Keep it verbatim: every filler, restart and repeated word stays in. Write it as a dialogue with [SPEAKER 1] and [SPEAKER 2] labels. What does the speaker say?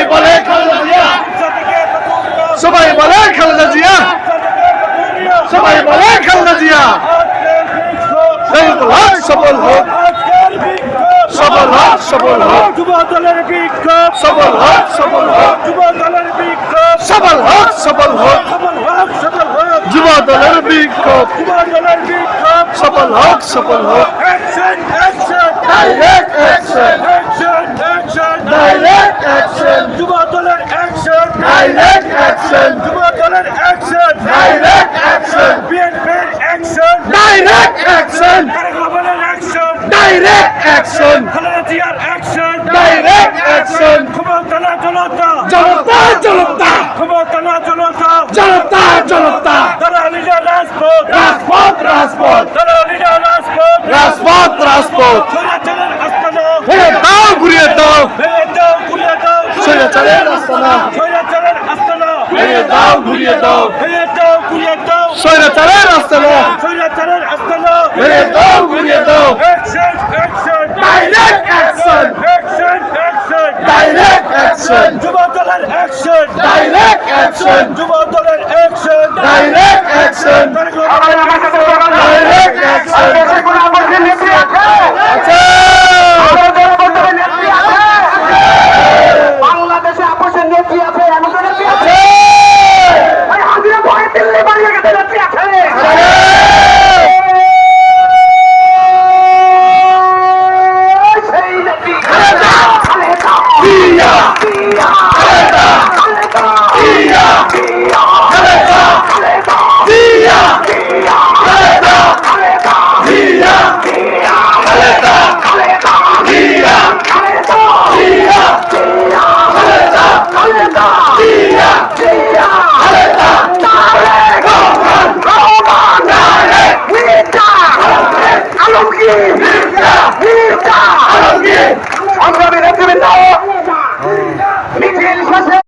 [SPEAKER 1] বলে খালেদা জিয়া, সবাই বলে খালেদা জিয়া, সবাই বলে খালেদা জিয়া। শহীদুল হক সফল হোক, সফল হোক, সফল হোক,
[SPEAKER 2] যুব দলের বিক্ষোভ,
[SPEAKER 1] সফল হোক, সফল হোক,
[SPEAKER 2] যুব দলের বিক্ষোভ,
[SPEAKER 1] সফল হোক, সফল হোক,
[SPEAKER 2] সফল হোক, সফল হোক,
[SPEAKER 1] যুব দলের বিক্ষোভ,
[SPEAKER 2] যুব দলের বিক্ষোভ,
[SPEAKER 1] সফল হোক, সফল হোক।
[SPEAKER 2] Action, action,
[SPEAKER 1] direct action,
[SPEAKER 2] action, action,
[SPEAKER 1] direct action,
[SPEAKER 2] যুব দলের অ্যাকশন,
[SPEAKER 1] ডাইরেক্ট অ্যাকশন,
[SPEAKER 2] যুব দলের অ্যাকশন,
[SPEAKER 1] ডাইরেক্ট অ্যাকশন,
[SPEAKER 2] বিএনপির অ্যাকশন,
[SPEAKER 1] ডাইরেক্ট অ্যাকশন,
[SPEAKER 2] তারেক রহমানের অ্যাকশন,
[SPEAKER 1] ডাইরেক্ট অ্যাকশন,
[SPEAKER 2] খালেদা জিয়ার অ্যাকশন,
[SPEAKER 1] ডাইরেক্ট অ্যাকশন।
[SPEAKER 2] ক্ষমতা না জনতা,
[SPEAKER 1] জনতা, জনতা,
[SPEAKER 2] ক্ষমতা না জনতা,
[SPEAKER 1] জনতা, জনতা,
[SPEAKER 2] তারা নিজের রাজপথ,
[SPEAKER 1] রাজপথ, রাজপথ,
[SPEAKER 2] তারা নিজের রাজপথ,
[SPEAKER 1] রাজপথ, রাজপথ।
[SPEAKER 2] স্বৈরাচারের আস্তানা,
[SPEAKER 1] ঘুরিয়ে দাও, ঘুরিয়ে দাও,
[SPEAKER 2] ভেঙে দাও, ঘুরিয়ে দাও,
[SPEAKER 1] স্বৈরাচারের আস্তানা,
[SPEAKER 2] স্বৈরাচারের আস্তানা,
[SPEAKER 1] ভেঙে দাও, ঘুরিয়ে দাও,
[SPEAKER 2] ভেঙে দাও, ঘুরিয়ে দাও,
[SPEAKER 1] স্বৈরাচারের আস্তানা,
[SPEAKER 2] স্বৈরাচারের আস্তানা,
[SPEAKER 1] ভেঙে দাও, ঘুরিয়ে দাও।
[SPEAKER 2] Action, action,
[SPEAKER 1] direct action,
[SPEAKER 2] action, action,
[SPEAKER 1] direct action,
[SPEAKER 2] যুব দলের অ্যাকশন,
[SPEAKER 1] ডাইরেক্ট অ্যাকশন,
[SPEAKER 2] যুব দলের অ্যাকশন,
[SPEAKER 1] ডাইরেক্ট অ্যাকশন,
[SPEAKER 2] তারেক রহমানের অ্যাকশন,
[SPEAKER 1] ডাইরেক্ট অ্যাকশন। আচ্ছা,
[SPEAKER 3] বাংলাদেশে আপোষের নেত্রী আছে, আমাদের নেত্রী আছে, ওই হাজিরা ভয়ে দিল্লি বাড়িয়ে গেছে নেত্রী আছে। সেই নেত্রী খালেদা, খালেদা,
[SPEAKER 1] জিয়া,
[SPEAKER 3] জিয়া,
[SPEAKER 1] খালেদা,
[SPEAKER 3] খালেদা,
[SPEAKER 1] জিয়া,
[SPEAKER 3] জিয়া,
[SPEAKER 1] খালেদা,
[SPEAKER 3] খালেদা,
[SPEAKER 1] জিয়া,
[SPEAKER 3] জিয়া,
[SPEAKER 1] খালেদা,
[SPEAKER 3] খালেদা,
[SPEAKER 1] জিয়া,
[SPEAKER 3] জিয়া,
[SPEAKER 1] খালেদা,
[SPEAKER 3] খালেদা,
[SPEAKER 1] জিয়া,
[SPEAKER 3] খালেদা,
[SPEAKER 1] জিয়া,
[SPEAKER 3] জিয়া,
[SPEAKER 1] খালেদা,
[SPEAKER 3] খালেদা,
[SPEAKER 1] জিয়া,
[SPEAKER 3] জিয়া,
[SPEAKER 1] খালেদা।
[SPEAKER 3] তারেক
[SPEAKER 1] রহমান,
[SPEAKER 3] রহমান,
[SPEAKER 1] তারেক,
[SPEAKER 3] মির্জা, আলমগীর,
[SPEAKER 1] মির্জা,
[SPEAKER 3] মির্জা,
[SPEAKER 1] আলমগীর।
[SPEAKER 3] সংগ্রামী নেতৃবৃন্দ,